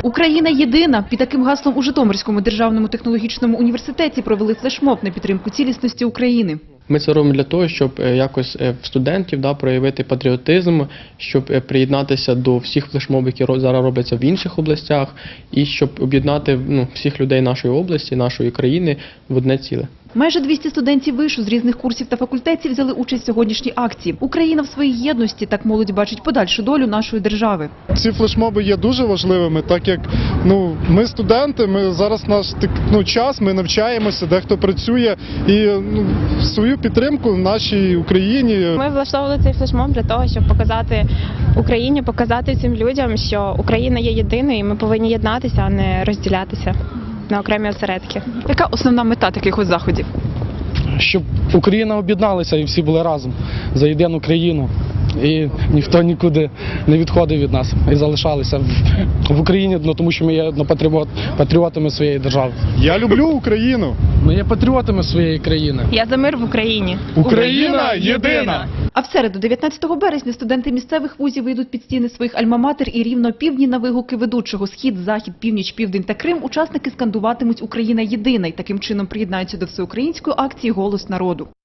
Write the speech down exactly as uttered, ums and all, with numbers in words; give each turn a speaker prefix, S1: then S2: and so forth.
S1: Україна єдина. Під таким гаслом у Житомирському державному технологічному університеті провели флешмоб на підтримку цілісності України.
S2: Ми це робимо для того, щоб якось в студентів да, проявити патріотизм, щоб приєднатися до всіх флешмобів, які зараз робляться в інших областях, і щоб об'єднати ну, всіх людей нашої області, нашої країни в одне ціле.
S1: Майже двісті студентів вишу з різних курсів та факультетів взяли участь в сьогоднішній акції. Україна в своїй єдності, так молодь бачить подальшу долю нашої держави.
S3: Ці флешмоби є дуже важливими, так як ну, ми студенти, ми зараз наш ну, час, ми навчаємося, дехто працює і ну, свою підтримку нашій Україні.
S4: Ми влаштовували цей флешмоб для того, щоб показати Україні, показати цим людям, що Україна є єдиною і ми повинні єднатися, а не розділятися на окремі осередки.
S1: Яка основна мета таких ось заходів?
S5: Щоб Україна об'єдналася і всі були разом за єдину країну. І ніхто нікуди не відходив від нас і залишалися в Україні, ну, тому що ми є патріот, патріотами своєї держави.
S3: Я люблю Україну.
S5: Ми є патріотами своєї країни.
S4: Я за мир в Україні.
S3: Україна єдина!
S1: А в середу, дев'ятнадцятого березня, студенти місцевих вузів вийдуть під стіни своїх альма-матер і рівно півдні на вигуки ведучого «Схід, Захід, Північ, Південь та Крим» учасники скандуватимуть «Україна єдина» і таким чином приєднаються до всеукраїнської акції «Голос народу».